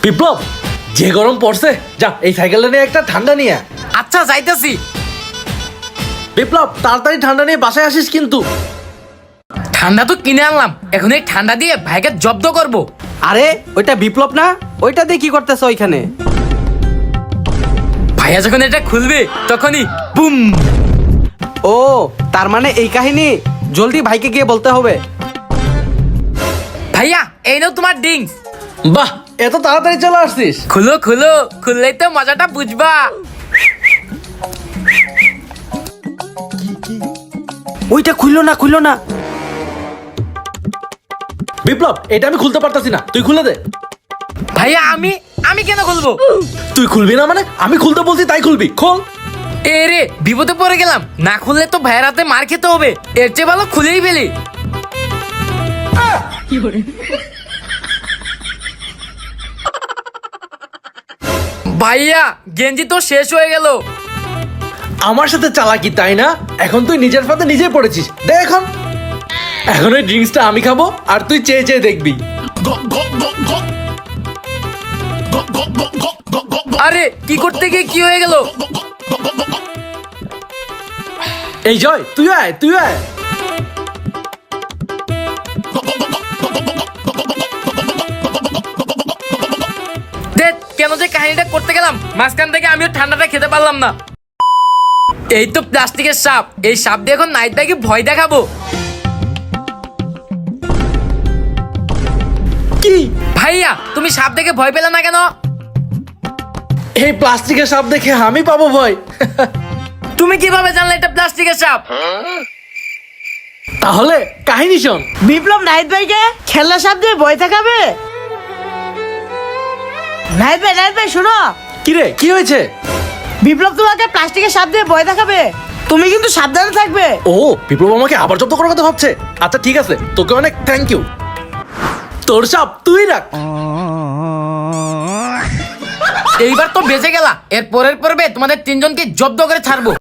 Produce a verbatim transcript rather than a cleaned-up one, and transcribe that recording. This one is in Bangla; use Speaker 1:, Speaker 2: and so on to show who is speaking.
Speaker 1: বিপ্লব, যে গরম পড়ছে, যা এই সাইকেলটা নিয়ে একটা ঠান্ডা নিয়ে।
Speaker 2: আচ্ছা যাইতেছি।
Speaker 1: বিপ্লব, তাড়াতাড়ি ঠান্ডা নিয়ে বাসায় আসিস কিন্তু।
Speaker 2: ঠান্ডা তো কিনে আনলাম, এখন এই ঠান্ডা দিয়ে ভাইকে জব্দ করব।
Speaker 3: আরে ওইটা বিপ্লব না? ওইটা দিয়ে কি করতেছো ওইখানে?
Speaker 2: ভাইয়া যখন এটা খুলবে তখনই বুম।
Speaker 3: ও, তার মানে এই কাহিনী। জলদি ভাইকে গিয়ে বলতে হবে।
Speaker 2: ভাইয়া এই নাও তোমার ড্রিঙ্কস।
Speaker 1: বাহ, এত তাড়াতাড়ি চলে আসছিস।
Speaker 2: খুলো খুলো, খুললেই তো মজাটা বুঝবা।
Speaker 3: ওইটা খুললো না, খুললো না।
Speaker 1: বিপ্লব, এটা আমি খুলতে পারতাছি না, তুই খুলে দে।
Speaker 2: ভাইয়া আমি আমি কেন খুলবো?
Speaker 1: তুই খুলবি না মানে? আমি খুলতে বলছি তাই খুলবি, খোল।
Speaker 2: এ রে, বিপদে পড়ে গেলাম। না খুললে তো ভাইয়ের হাতে মার খেতে হবে। এর চেয়ে ভালো খুলেই ফেলি। ভাইয়া গেঞ্জি তো শেষ হয়ে গেল।
Speaker 1: আমার সাথে চালাকি তাই না? এখন তুই নিজের ফাঁদে নিজে পড়েছিস। দে এখন। এখন ওই ড্রিঙ্কসটা আমি খাবো আর তুই চেয়ে চেয়ে দেখবি।
Speaker 2: আরে কি করতে গিয়ে কি হয়ে গেল?
Speaker 1: এই জয়, তুই আয়, তুই আয়।
Speaker 2: দেখ কেন যে কাহিনীটা করতে গেলাম, মাঝখান থেকে আমিও ঠান্ডাটা খেতে পারলাম না। এই তো প্লাস্টিকের সাপ, এই সাপ দিয়ে এখন নাইট ভাইকে ভয় দেখাবো।
Speaker 1: কি
Speaker 2: ভাইয়া তুমি সাপ দেখে ভয় পেলে না কেন?
Speaker 1: এই প্লাস্টিকের সাপ দেখে আমি পাবো ভয়?
Speaker 2: তুমি কিভাবে জানলে এটা প্লাস্টিকের সাপ?
Speaker 1: তাহলে কাহিনী শোন।
Speaker 4: বিপ্লব নাহিদ ভাইকে খেলনা সাপ দিয়ে ভয় দেখাবে। নাহিদ ভাই, নাহিদ ভাই শোনো,
Speaker 1: কি রে, কি হয়েছে?
Speaker 4: বিপ্লব তোমাকে প্লাস্টিকের সাপ দিয়ে ভয় দেখাবে, তুমি কিন্তু সাবধানে থাকবে।
Speaker 1: ও, বিপ্লব আমাকে আবার জব্দ করার কথা ভাবছে। আচ্ছা ঠিক আছে, তোকে অনেক থ্যাংক ইউ। তোর সাপ তুই রাখ।
Speaker 2: এইবার তো বেঁচে গেলা। এর পরের পর্বে তোমাদের তিনজনকে জব্দ করে ছাড়বো।